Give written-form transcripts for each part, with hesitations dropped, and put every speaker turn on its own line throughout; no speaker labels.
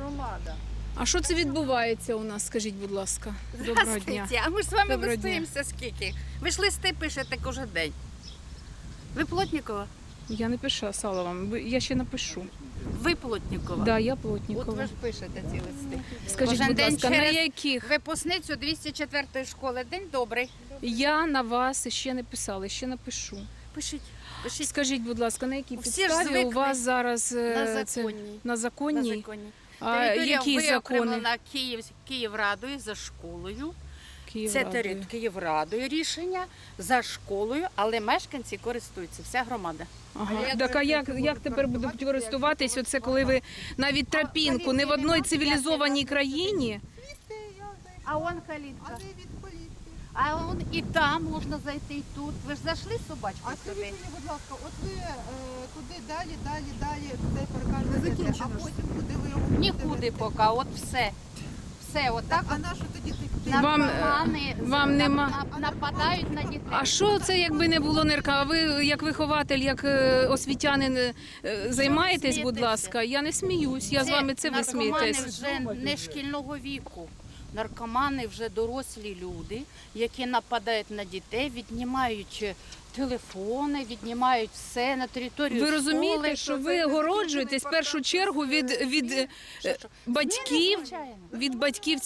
громада.
А що це відбувається у нас, скажіть, будь ласка? Доброго дня.
Здравствуйте. А ми ж з вами
Доброго дня.
листуємося скільки. Ви ж листи пишете кожен день. Ви Плотнікова?
Я не писала вам, я ще напишу.
Ви Плотнікова?
Да, я
От
Плотнікова.
ви ж пишете ці листи.
Скажіть,
Кожен
будь
день
ласка, на
через
яких?
випускницю 204-ї школи. День добрий.
Я на вас ще не писала, ще напишу.
Пишіть. Пишіть.
Скажіть, будь ласка, на якій
Всі ж
підставі у
звикли
вас зараз
на
це
законній.
на законній?
На законі.
А
Територія
які закони?
виокремлена Київрадою за школою. Це
Київрадою.
Київрадою рішення за школою, але мешканці користуються, вся громада.
Ага. Так а як тепер будуть користуватись? Оце коли ви навіть тропінку не в одній цивілізованій країні.
А он калітка.
А де від поліції?
А он і там можна зайти, і тут. Ви ж зайшли з собачкою
А скажіть
сюди?
мені, будь ласка, от ви туди далі, цей паркан ведете, а потім куди ви його будете
Нікуди
вести?
поки, от все. Все, отак
А на що тоді ти?
Вам нема-
нападають на дітей.
А що це, якби не було нирка? А ви як вихователь, як освітянин займаєтесь, будь
смієтеся?
ласка? Я не сміюсь, я з вами це ви
наркомани
смієтесь.
вже не шкільного віку. Наркомани вже дорослі люди, які нападають на дітей, віднімають телефони, віднімають все на територію
Ви
школи.
розумієте, що ви огороджуєтесь в першу чергу від батьків,
Звичайно.
від батьків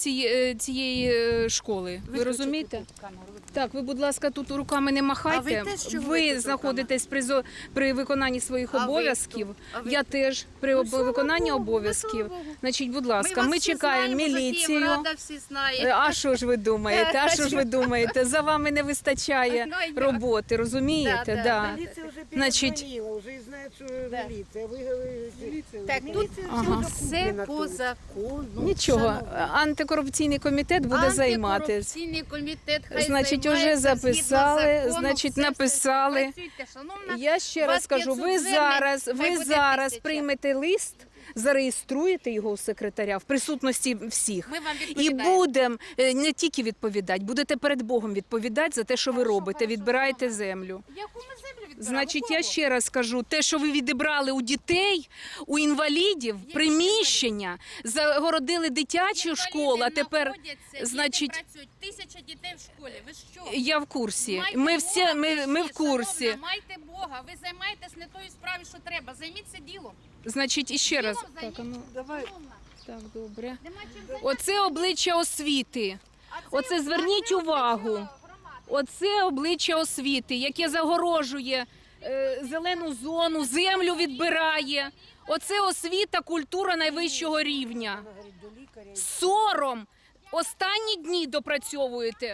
цієї школи. Ви розумієте? Так, ви, будь ласка, тут руками не махайте.
А ви теж чого
Ви
тут
знаходитесь при виконанні своїх
А ви
обов'язків.
хто? А ви
Я
хто?
теж при
Ну, слава
виконанні
Богу,
обов'язків.
слава Богу.
Значить, будь ласка, ми
вас всі
чекаємо
знаємо, за
міліцію.
Київрада всі знає.
А що ж ви думаєте? А що ж ви думаєте? За вами не вистачає
Ну, як?
роботи, розумієте?
Да,
Да.
Милиция уже
Значит,
перезвонила, уже знает, что
Да.
милиция. Вы говорите,
Так, тут
Ага.
все по закону.
Нічого,
шановні.
антикорупційний комітет буде займатися.
Антикорупційний комітет хай
Значить, уже
займається
записали,
згідно закону,
значить,
все
написали.
Працюйте, шановна.
Я ще
У вас
раз кажу,
500
ви
звернень, хай
ви
буде
зараз
1000.
приймете лист, зареєструєте його у секретаря в присутності всіх.
Ми вам
І
відповідаємо.
будемо не тільки відповідати, будете перед Богом відповідати за те, що ви робите, відбираєте землю.
Яку ми землю відбираємо?
Значить,
Кого?
я ще раз кажу, те, що ви відібрали у дітей, у інвалідів, приміщення, загородили дитячу
Інваліди
школу, а тепер,
знаходяться,
значить,
діти працюють, 1000 дітей в школі. Ви що?
я в курсі.
Майте
Ми
Бога,
всі, ми
ви
в курсі.
шановна, майте Бога, ви займаєтесь не тою справою, що треба. Займіться ділом.
Значить, іще раз.
Ділом
Так, а ну,
Давай.
так, добре.
Нема чим займатися.
Оце обличчя освіти.
А це
Оце зверніть увагу.
громади.
Оце обличчя освіти, яке загорожує зелену зону, землю відбирає. Оце освіта, культура найвищого рівня.
она говорит, до лікаря.
Сором! Останні дні допрацьовуєте.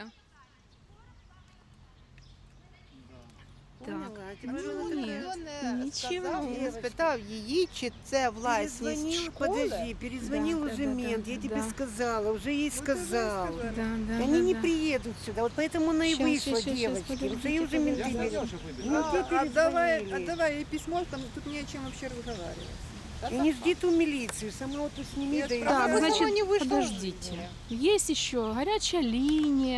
Так. Нічого.
Я спитав її, чи це власність
Перезвонил,
школи.
подожди, перезвонил
Да,
уже
да,
мент,
да,
я тебе
да.
сказала, уже ей сказал.
Да, да,
И они не
да.
приедут сюда, вот поэтому она и
Щас,
вышла,
щас, щас,
девочки.
подождите,
Уже ей уже менты говорят. Ну, где перезвонили?
Отдавай ей письмо, там тут не о чем вообще разговаривать.
И не жди ту милицию, сама вот тут сними, да и
Так,
Почему
значит,
не вышла?
подождите. Есть еще горячая линия.